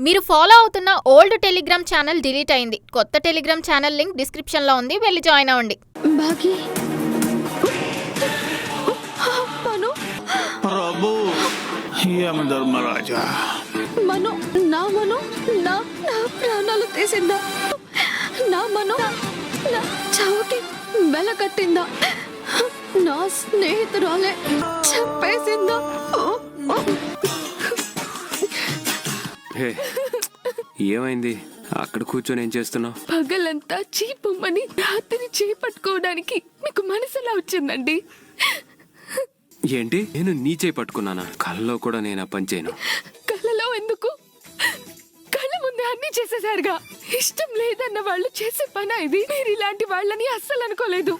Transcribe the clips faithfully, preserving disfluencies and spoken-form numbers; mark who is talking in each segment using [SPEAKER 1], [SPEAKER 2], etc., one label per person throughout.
[SPEAKER 1] మీరు ఫాలో అవుతున్న old Telegram channel delete అయింది. కొత్త టెలిగ్రామ్ ఛానల్ లింక్ డిస్క్రిప్షన్ లో ఉంది, వెళ్ళి జాయిన్ అవ్వండి.
[SPEAKER 2] బాగి మను
[SPEAKER 3] ప్రభు యమ ధర్మరాజా
[SPEAKER 2] మను నా మను నా నా ప్రాణాలు తీసిందా? నా మను నా చావుకి మెలకట్టిందా? నా స్నేహితురాలే చెప్పేసిందా?
[SPEAKER 4] హే, ఏమైంది? అక్కడ కూర్చొని ఏం చేస్తున్నావు?
[SPEAKER 2] పగలంతా చీపమ్మని రాత్రి చేపట్టుకోవడానికి మీకు మనసులా వచ్చిందండి.
[SPEAKER 4] ఏంటి, నేను నీ చేయి పట్టుకున్నానా? కళ్ళలో కూడా నేను ఆ పని చేయను.
[SPEAKER 2] కళ్ళలో ఎందుకు? కళ్ళ ముందే అన్ని చేసేసారుగా. ఇష్టం లేదన్న వాళ్ళు చేసే పని ఇది. మీరు ఇలాంటి వాళ్ళని అస్సలు అనుకోలేదు.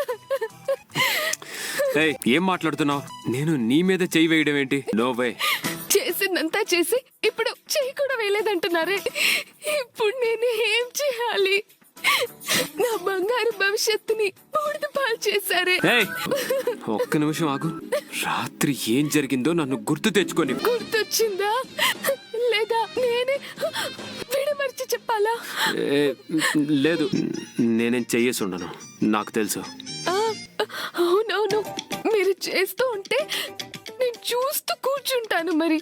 [SPEAKER 4] ఏయ్, ఏం మాట్లాడుతున్నావు? నేను నీ మీద చెయ్యి వేయడం ఏంటి? No way.
[SPEAKER 2] చేసిందంతా చేసి ఇప్పుడు చెయ్యి కూడా వేయలేదంటున్నారే. ఇప్పుడు నేను ఏం చేయాలి? నా బంగారు భవిష్యత్తుని బూడిద పాలు చేశారే.
[SPEAKER 4] ఏయ్, ఒక్క నిమిషం ఆగు. రాత్రి ఏం జరిగిందో నన్ను గుర్తు తెచ్చుకొని.
[SPEAKER 2] గుర్తొచ్చిందా లేదా నేనే విడమర్చి చెప్పాలా?
[SPEAKER 4] ఏ, లేదు, నేనేం చెయ్యేసి ఉండను, నాకు తెలుసు.
[SPEAKER 2] ఆ, అవునవును, మీరు చేస్తూ ఉంటే నేను చూస్తూ కూర్చుంటాను. మరి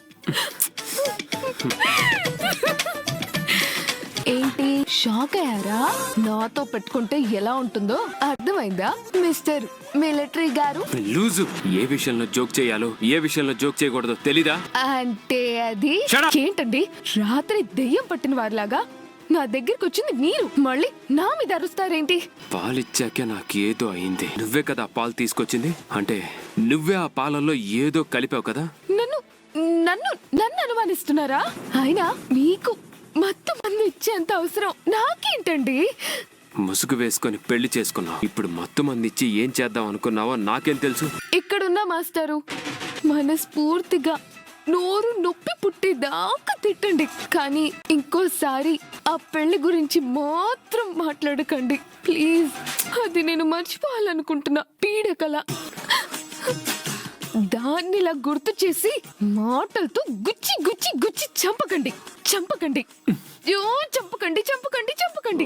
[SPEAKER 2] ఏంటి, షాక్ అయ్యారా? నాతో పెట్టుకుంటే ఎలా ఉంటుందో అర్థమైందా మిస్టర్ మిలిటరీ గారు?
[SPEAKER 4] లూజు. ఏ విషయంలో జోక్ చేయాలో, ఏ విషయంలో జోక్ చేయకూడదో తెలీదా?
[SPEAKER 2] అంటే అది
[SPEAKER 4] Shut up!
[SPEAKER 2] ఏంటండి, రాత్రి దెయ్యం పట్టిన వారిలాగా నా దగ్గరికి వచ్చింది మీరు, మళ్ళీ నా మీద అరుస్తారేంటి?
[SPEAKER 4] పాలిచ్చాకే నాకేదో అయింది. నువ్వే కదా పాలు తీసుకొచ్చింది. అంటే నువ్వే ఆ పాలల్లో ఏదో కలిపావు కదా.
[SPEAKER 2] నన్ను నన్ను నన్ను అనుమానిస్తున్నారా? అయినా మీకు మత్తు మంది ఇచ్చేంత అవసరం నాకేంటండి?
[SPEAKER 4] ముసుగు వేసుకొని పెళ్లి చేసుకున్నావు. ఇప్పుడు మత్తు మంది ఇచ్చి ఏం చేద్దాం అనుకున్నావో నాకేం తెలుసు.
[SPEAKER 2] ఇక్కడున్న మాస్టారు మనస్ఫూర్తిగా నోరు నొప్పి పుట్టేదాకా తిట్టండి, కానీ ఇంకోసారి ఆ పెళ్లి గురించి మాత్రం మాట్లాడకండి ప్లీజ్. అది నేను మర్చిపోవాలనుకుంటున్నా పీడకల. దాన్ని ఇలా గుర్తు చేసి మాటలతో గుచ్చి గుచ్చి గుచ్చి చంపకండి చంపకండి యో చంపకండి చంపకండి చంపకండి.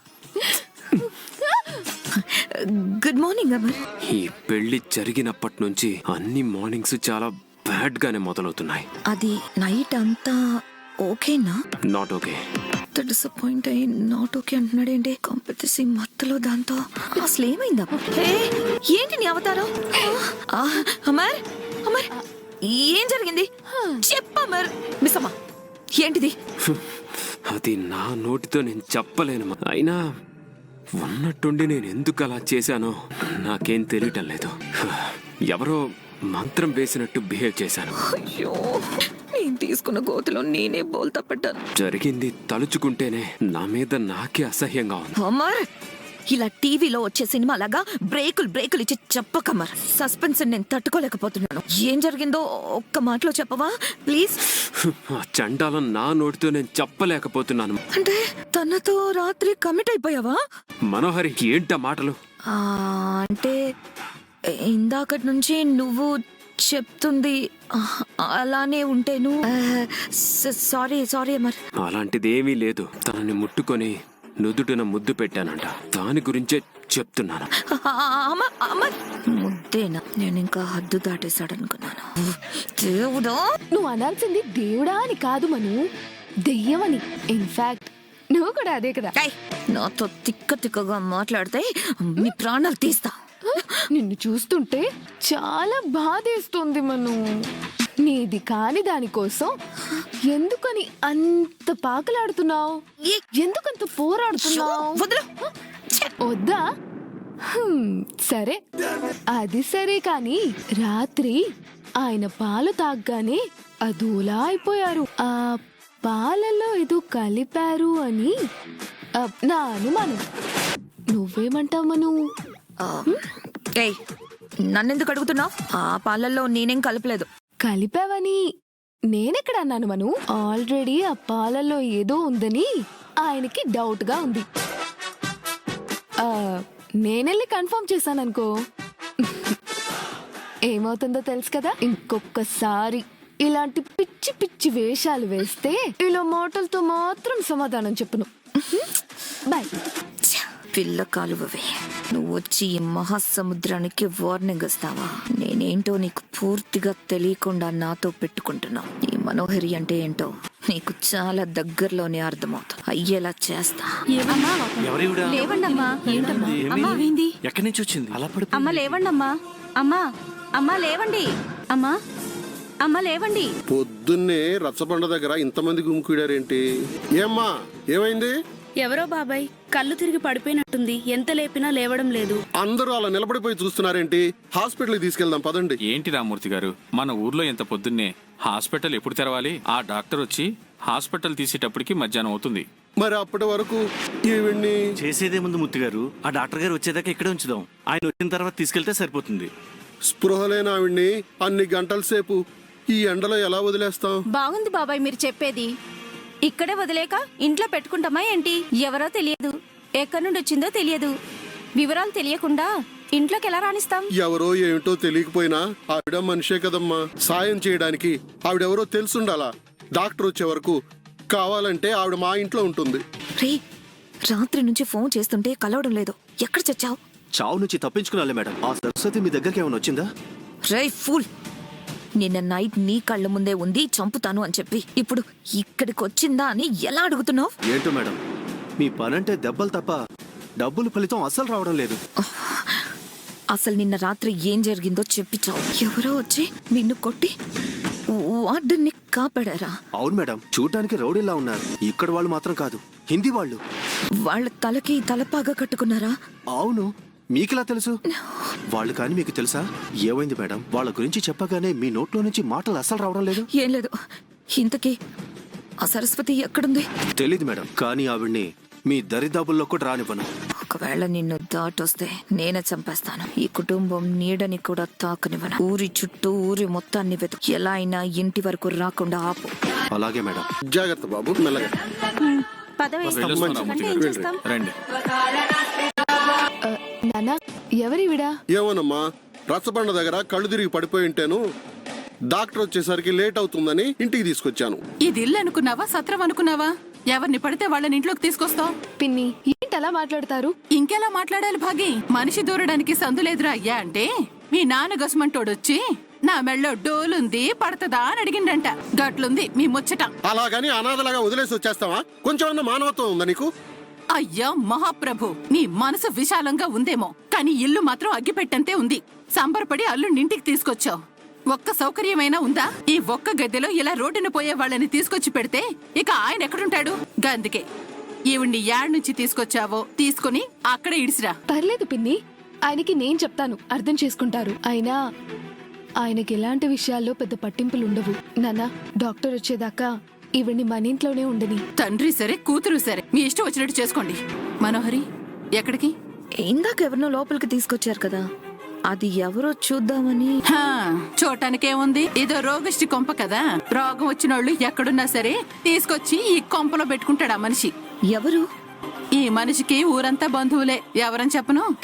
[SPEAKER 5] Good morning Amar.
[SPEAKER 4] ఈ పెళ్లి జరిగినప్పటి నుంచి అన్ని మార్నింగ్స్ చాలా బ్యాడ్ గానే మొదలవుతున్నాయి.
[SPEAKER 5] అది నైట్ అంతా ఓకేనా?
[SPEAKER 4] Not okay.
[SPEAKER 5] డిసప్పాయింట్ అయ్యి నాట్ ఓకే అంటున్నాడేంటి? కాంపిటీసి మత్తులో దాంతో అసలు ఏమైందా? ఏంటి నీ అవతారం? ఆ, అమర్ అమర్ ఏం జరిగింది చెప్పు అమర్. మిస్ అమ్మా ఏంటిది?
[SPEAKER 4] అది నా నోటితో నేను చెప్పలేను. అయినా ఉన్నట్టుండి నేను ఎందుకు అలా చేశానో నాకేం తెలియటం లేదు. ఎవరో మంత్రం వేసినట్టు బిహేవ్ చేశాను.
[SPEAKER 5] అయ్యో, నేను తీసుకున్న గోతిలో నేనే బోల్తా పడ్డాను.
[SPEAKER 4] జరిగింది తలుచుకుంటేనే నా మీద నాకే అసహ్యంగా ఉంది.
[SPEAKER 5] అమర్, ఇలా టీవీలో వచ్చే సినిమా లాగా బ్రేకులు బ్రేకులు ఇచ్చి చెప్పకమర్. సస్పెన్స్ నేను తట్టుకోలేకపోతున్నాను. ఏం జరిగిందో ఒక్క మాటలో చెప్పవా ప్లీజ్?
[SPEAKER 4] ఆ చండాలం నా నోటితో నేను చెప్పలేకపోతున్నాను.
[SPEAKER 5] అంటే తనతో రాత్రి కమిట్ అయిపోయావా?
[SPEAKER 4] మనోహరి, ఏంటా మాటలు?
[SPEAKER 5] ఆ, అంటే ఇందాకటి నుంచి నువ్వు చెప్తుంది అలానే ఉంటేను. Sorry sorry Amar.
[SPEAKER 4] అలాంటిది ఏమీ లేదు. తనని ముట్టుకొని నుదుటిన ముద్దు పెట్టానంట. దాని గురించే చెప్తున్నాను.
[SPEAKER 5] అమర్, ముద్దేనా? నేను ఇంకా హద్దు దాటేశాడనుకున్నాను. దేవుడా,
[SPEAKER 2] నువ్వు అనాల్సింది దేవుడా అని కాదు మను, దెయ్యమని. ఇన్ఫాక్ట్ నువ్వు కూడా అదే కదా.
[SPEAKER 5] నాతో తిక్క తిక్కగా మాట్లాడితే మీ ప్రాణాలు తీస్తా.
[SPEAKER 2] నిన్ను చూస్తుంటే చాలా బాధేస్తుంది మను. నీది కాని దానికోసం ఎందుకని అంత పాకలాడుతున్నావు? ఎందుకంత పోరాడుతున్నావు? వద్దా? సరే, అది సరే, కాని రాత్రి ఆయన పాలు తాగ్గానే అదోలా అయిపోయారు. ఆ పాలలో ఏదో కలిపారు అని నా అనుమానం. నువ్వేమంటావు మను?
[SPEAKER 5] నన్నెందుకు అడుగుతున్నావు? ఆ పాలల్లో నేనేం కలపలేదు.
[SPEAKER 2] కలిపావని నేనెక్కడ అన్నాను మను? ఆల్రెడీ ఆ పాలల్లో ఏదో ఉందని ఆయనకి డౌట్ గా ఉంది. ఆ, నేనెళ్ళి కన్ఫర్మ్ చేశాననుకో ఏమవుతుందో తెలుసు కదా. ఇంకొకసారి ఇలాంటి పిచ్చి పిచ్చి వేషాలు వేస్తే ఇలా మాటలతో మాత్రం సమాధానం చెప్పును. బాయ్.
[SPEAKER 5] ఛ, పిల్ల కాలువవే, నువ్వు వచ్చి ఈ మహాసముద్రానికి వార్నింగ్ ఇస్తావా? నేనేంటో నీకు పూర్తిగా తెలియకుండా నాతో పెట్టుకుంటున్నావు. ఈ మనోహరి అంటే ఏంటో నీకు చాలా దగ్గరలోనే అర్థమవుతుంది. అయ్యేలా చేస్తా.
[SPEAKER 6] లేవండమ్మా. ఏంటమ్మా అమ్మా
[SPEAKER 7] ఎక్కడి నుంచి వచ్చింది అలా పడి
[SPEAKER 6] అమ్మ లేవండమ్మా. అమ్మా అమ్మా లేవండి. అమ్మా అమ్మ లేవండి.
[SPEAKER 8] పొద్దున్నే రచ్చబండ దగ్గర ఇంతమంది గుమికూడారేంటి? ఏమ్మా ఏమైంది?
[SPEAKER 9] ఎవరో బాబాయ్ కళ్ళు తిరిగి పడిపోయినట్టుంది. ఎంత లేపినా లేవడం లేదు.
[SPEAKER 8] అందరూ అలా నిలబడిపోయి చూస్తున్నారేంటి? హాస్పిటల్కి తీసుకెళ్దాం పదండి.
[SPEAKER 7] ఏంటి రామూర్తి గారు, మన ఊర్లో ఎంత పొద్దున్నే హాస్పిటల్ ఎప్పుడు తెరవాలి? ఆ డాక్టర్ వచ్చి హాస్పిటల్ తీసేటప్పటికి మధ్యాహ్నం అవుతుంది.
[SPEAKER 8] మరి అప్పటి వరకు ఈవిడ్ని
[SPEAKER 10] చేసేదే ముందు ముత్తి గారు, ఆ డాక్టర్ గారు వచ్చేదాకా ఇక్కడే ఉంచుదాం. ఆయన వచ్చిన తర్వాత తీసుకెళ్తే సరిపోతుంది.
[SPEAKER 8] స్పృహ లేని ఆవిడ్ని అన్ని గంటల సేపు ఈ ఎండలో ఎలా వదిలేస్తాం?
[SPEAKER 6] బాగుంది బాబాయ్ మీరు చెప్పేది. ఇక్కడే వదిలేక ఇంట్లో పెట్టుకుంటామా ఏంటి? ఎవరో తెలియదు, ఎక్కడి నుండి వచ్చిందో తెలియదు, వివరాలు తెలియకుండా ఇంట్లోకి ఎలా రాణిస్తాం?
[SPEAKER 8] ఎవరో ఏమిటో తెలియకపోయినా ఆవిడ మనిషే కదమ్మా. సాయం చేయడానికి ఆవిడెవరో తెలుసుండాలా. డాక్టర్ వచ్చే వరకు కావాలంటే ఆవిడ మా ఇంట్లో ఉంటుంది.
[SPEAKER 5] రే, రాత్రి నుంచి ఫోన్ చేస్తుంటే కలవడం లేదు. ఎక్కడ చచ్చావు?
[SPEAKER 10] చావు నుంచి తప్పించుకున్నాలే మేడం. ఆ సరస్వతి మీ దగ్గరికి ఏమైనా వచ్చిందా?
[SPEAKER 5] రే ఫూల్, నిన్న నైట్ నీ కళ్ళ ముందే ఉంది చంపుతాను అని చెప్పి ఇప్పుడు ఇక్కడికి వచ్చిందా అని ఎలా అడుగుతున్నావు?
[SPEAKER 10] ఏంటో మేడం, మీ పనంటే దెబ్బలు తప్ప డబ్బులు ఫలితం అస్సలు రావడం లేదు.
[SPEAKER 5] అసలు నిన్న రాత్రి ఏం జరిగిందో చెప్పిచావు. ఎవరో వచ్చి నిన్ను కొట్టి వార్డెన్ని కాపాడారా?
[SPEAKER 10] అవును మేడం, చూడటానికి రౌడీలా ఉన్నారు. ఇక్కడ వాళ్ళు మాత్రం కాదు, హిందీ వాళ్ళు.
[SPEAKER 5] వాళ్ళ తలకి తలపాగా కట్టుకున్నారా?
[SPEAKER 10] అవును, మీకెలా తెలుసు? వాళ్ళు కానీ మీకు తెలుసా? ఏమైంది మేడం? వాళ్ళ గురించి చెప్పగానే మీ నోట్లో నుంచి మాటలు అస్సలు రావడం లేదు.
[SPEAKER 5] ఏం లేదు. ఇంతకీ ఆ సరస్వతి ఎక్కడుంది?
[SPEAKER 10] తెలీదు మేడం, కానీ ఆవిడ్ని మీ దరిదాపుల్లో కూడా రానివ్వను.
[SPEAKER 5] ఒకవేళ నిన్ను దాటొస్తే నేనే చంపేస్తాను. ఈ కుటుంబం నీడని కూడా తాకనివ్వను. ఊరి చుట్టూ ఊరి మొత్తాన్ని వెతుకు, ఎలా అయినా ఇంటి వరకు రాకుండా ఆపు.
[SPEAKER 10] అలాగే మేడం.
[SPEAKER 8] జాగ్రత్త బాబు, మెల్లగా.
[SPEAKER 6] పద వేస్తాం.
[SPEAKER 7] వెళ్ళొస్తాం రామూర్తి గారు.
[SPEAKER 6] చేస్తాం?
[SPEAKER 7] రండి.
[SPEAKER 2] నానా ఎవరివిడా?
[SPEAKER 8] ఏమోనమ్మా, రచ్చబండ దగ్గర కళ్ళు తిరిగి పడిపోయి ఉంటాను. డాక్టర్ వచ్చేసరికి లేట్ అవుతుందని ఇంటికి తీసుకొచ్చాను.
[SPEAKER 11] ఇది ఇల్లు అనుకున్నావా, సత్రం అనుకున్నావా? ఎవరిని పడితే వాళ్ళని ఇంట్లోకి తీసుకొస్తావు?
[SPEAKER 2] పిన్ని ఏంటి అలా మాట్లాడతారు?
[SPEAKER 11] ఇంకెలా మాట్లాడాలి భాగి? మనిషి దూరడానికి సందులేదురా అయ్యా అంటే మీ నాన్న గసుమంటోడొచ్చి నా మెళ్ళో డోలుంది పడతదా అని అడిగిండంట. గట్లుంది మీ ముచ్చట.
[SPEAKER 8] అలాగని అనాథలాగా వదిలేసి వచ్చేస్తావా? కొంచెం మానవత్వం ఉందా నీకు?
[SPEAKER 11] అయ్యా మహాప్రభు, నీ మనసు విశాలంగా ఉందేమో, కానీ ఇల్లు మాత్రం అగ్గిపెట్టంతే ఉంది. సంబరపడి అల్లుని ఇంటికి తీసుకొచ్చావు. ఒక్క సౌకర్యమైనా ఉందా? ఈ ఒక్క గద్దెలో ఇలా రోడ్డున పోయే వాళ్ళని తీసుకొచ్చి పెడితే ఇక ఆయన ఎక్కడుంటాడు? గందుకే ఈవిడ్ని యాడ్ నుంచి తీసుకొచ్చావో తీసుకుని అక్కడే ఇడిసిరా.
[SPEAKER 2] పర్లేదు పిన్ని, ఆయనకి నేను చెప్తాను, అర్థం చేసుకుంటారు. అయినా ఆయనకి ఎలాంటి విషయాల్లో పెద్ద పట్టింపులు ఉండవు. నాన్న, డాక్టర్ వచ్చేదాకా ఈవిడ్ని మన ఇంట్లోనే ఉండని.
[SPEAKER 11] తండ్రి సరే కూతురు సరే, మీ ఇష్టం వచ్చినట్టు చేసుకోండి. మనోహరి ఎక్కడికి?
[SPEAKER 5] ఇందాక ఎవరినో లోపలికి తీసుకొచ్చారు కదా, అది ఎవరో చూద్దామని.
[SPEAKER 11] హా, చూడటానికేముంది, ఏదో రోగిష్టి కొంప కదా. రోగం వచ్చిన వాళ్ళు ఎక్కడున్నా సరే తీసుకొచ్చి ఈ కొంపలో పెట్టుకుంటాడు ఆ మనిషి.
[SPEAKER 5] ఎవరు?
[SPEAKER 11] ఈ మనిషికి ఊరంతా బంధువులే. ఎవరని చెప్పను?